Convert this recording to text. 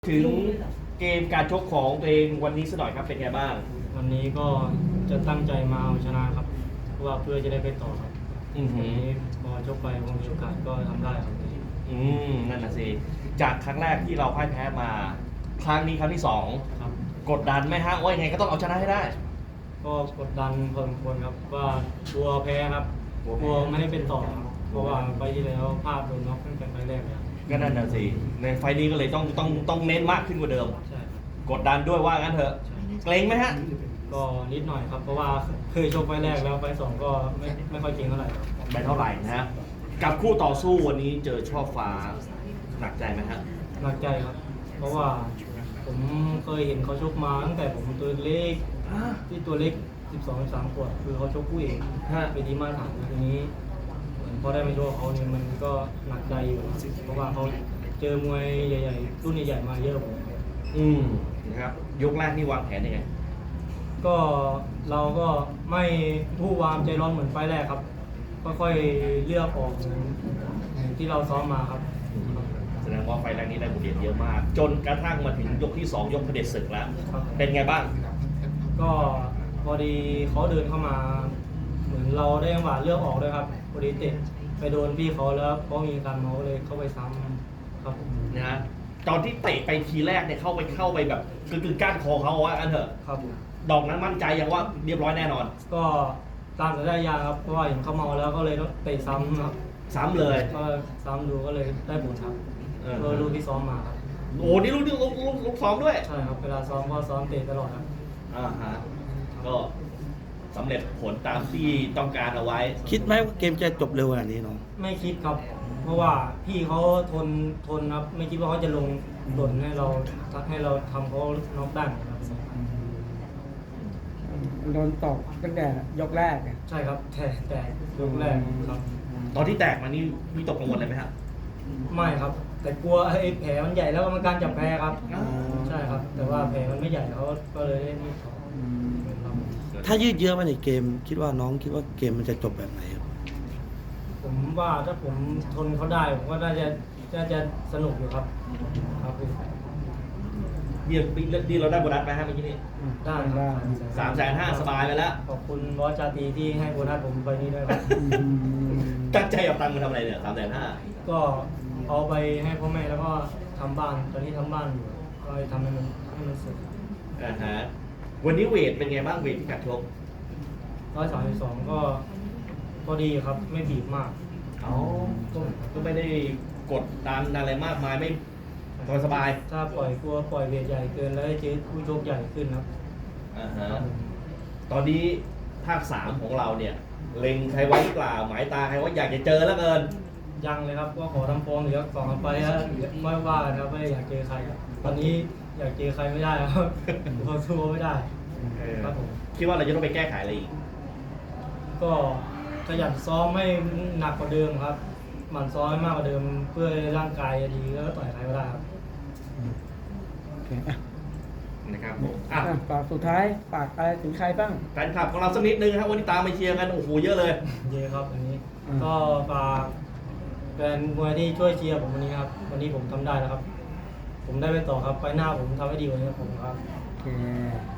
ถึงเกมการชกของตัวเองวันนี้สักหน่อยครับเป็นไงบ้างวันนี้ก็จะตั้งใจมาเอาชนะครับเพราะว่าเพื่อจะได้ไปต่อครับวันนี้พอชกไปคงมีโอกาสก็ทำได้ครับนั่นน่ะสิจากครั้งแรกที่เราพ่ายแพ้มาครั้งนี้ครั้งที่สองครับกดดันไหมฮะว่ายังไงก็ต้องเอาชนะให้ได้ก็กดดันพอสมควรครับว่ากลัวแพ้ครับกลัวไม่ได้เป็นต่อครับเพราะว่าไปที่แล้วพลาดโดนน็อกตั้งแต่ไฟแรกเลยก็นั่นน่ะสิในไฟนี้ก็เลยต้องเน้นมากขึ้นกว่าเดิมใช่ครับกดดันด้วยว่างั้นเถอะเกรงไหมฮะก็นิดหน่อยครับเพราะว่าเคยชกไฟแรกแล้วไฟสองก็ไม่ค่อยเก่งเท่าไหร่ครับไม่เท่าไหร่นะฮะกับคู่ต่อสู้วันนี้เจอช่อฟ้าหนักใจไหมฮะหนักใจครับเพราะว่าผมเคยเห็นเขาชกมาตั้งแต่ผมตัวเล็กที่ตัวเล็ก12-13 ขวบคือเขาชกคู่เอกไปดีมาตรฐานทีนี้พอได้มาชกเขาเนี่ยมันก็หนักใจอยู่เพราะว่าเขาเจอมวยใหญ่ๆรุ่นใหญ่ๆมาเยอะผมนะครับยกแรกนี่วางแผนยังไงก็เราก็ไม่ผู้วามใจร้อนเหมือนไฟแรกครับค่อยๆเลือกออกที่เราซ้อมมาครับแสดงว่าไฟแรกนี้ได้บทเรียนเยอะมากจนกระทั่งมาถึงยกที่2ยกเผด็จศึกแล้วเป็นไงบ้างก็พอดีเขาเดินเข้ามาเหมือนเราได้จังหวะเลือกออกด้วยครับพอดีเตะไปโดนพี่เขาแล้วเขามีการเมาเลยเข้าไปซ้ำครับนะฮะตอนที่เตะไปทีแรกเนี่ยเข้าไปแบบคือก้านคอเขาว่าอันเถอะครับดอกนั้นมั่นใจยังว่าเรียบร้อยแน่นอนก็ตามสัญญาครับเพราะว่าเห็นเขาเมาแล้วก็เลยต้องเตะซ้ำครับซ้ำเลยก็ซ้ำดูก็เลยได้ผลครับลูกที่ซ้อมมาครับโอ้นี่ลูกซ้อมด้วยใช่ครับเวลาซ้อมก็ซ้อมเตะตลอดครับฮะก็สำเร็จผลตามที่ต้องการเอาไว้คิดไหมว่าเกมจะจบเร็วขนาดนี้น้องไม่คิดครับเพราะว่าพี่เขาทนครับไม่คิดว่าเขาจะลงหล่นให้เราทำเขาน็อกได้ครับโดนตกตั้งแต่ยกแรกใช่ครับแต่ยกแรกครับตอนที่แตกมานี่มีตกกังวลอะไรไหมครับไม่ครับแต่กลัวไอ้แผลมันใหญ่แล้วกรรมการจับแพ้ครับใช่ครับแต่ว่าแผลมันไม่ใหญ่เขาก็เลยได้ไม่ถอถ้ายืดเยื้อมาในเกมคิดว่าน้องคิดว่าเกมมันจะจบแบบไหนครับผมว่าถ้าผมทนเขาได้ผมก็น่าจะสนุกอยู่ครับครับนี่เราได้โบนัสไหมฮะเมื่อกี้นี้ได้ครับ 350,000สบายไปแล้วขอบคุณบอสจาตีที่ให้โบนัสผมไปนี่ด้วยครับตั้งใจเอาตังค์มาทำอะไรเนี่ย350,000 ก็เอาไปให้พ่อแม่แล้วก็ทำบ้านตอนนี้ทำบ้านอยู่ก็ทำให้มันเสร็จวันนี้เวทเป็นไงบ้างเวทที่กัดชก 132ก็พอดีครับไม่บีบมากก็ไม่ได้กดดันอะไรมากมายไม่สบายถ้าปล่อยเวทใหญ่เกินแล้วเจอผู้ชกใหญ่ขึ้นครับตอนนี้ภาค3ของเราเนี่ยเล็งใครไว้หรือเปล่าหมายตาใครว่าอยากจะเจอแล้วเกินยังเลยครับก็ขอทำฟอร์มเหลือ2 ไปแล้วไม่ว่ากันครับไม่อยากเจอใครตอนนี้อยากเจอใครไม่ได้ครับเขาสู้ไม่ได้ครับผมคิดว่าเราจะต้องไปแก้ไขอะไรอีกก็ขยันซ้อมให้หนักกว่าเดิมครับหมั่นซ้อมให้มากกว่าเดิมเพื่อร่างกายดีแล้วก็ต่อยใครก็ได้ครับนะครับผมฝากสุดท้ายฝากอะไรถึงใครบ้างแฟนคลับของเราสักนิดนึงครับวันนี้ตามไปเชียร์กันโอ้โหเยอะเลยเยอะครับวันนี้ก็ฝากแฟนมวยที่ช่วยเชียร์ผมวันนี้ครับวันนี้ผมทำได้แล้วครับผมได้ไปต่อครับไปหน้าผมทำให้ดีกว่านี้ผมครับโอเค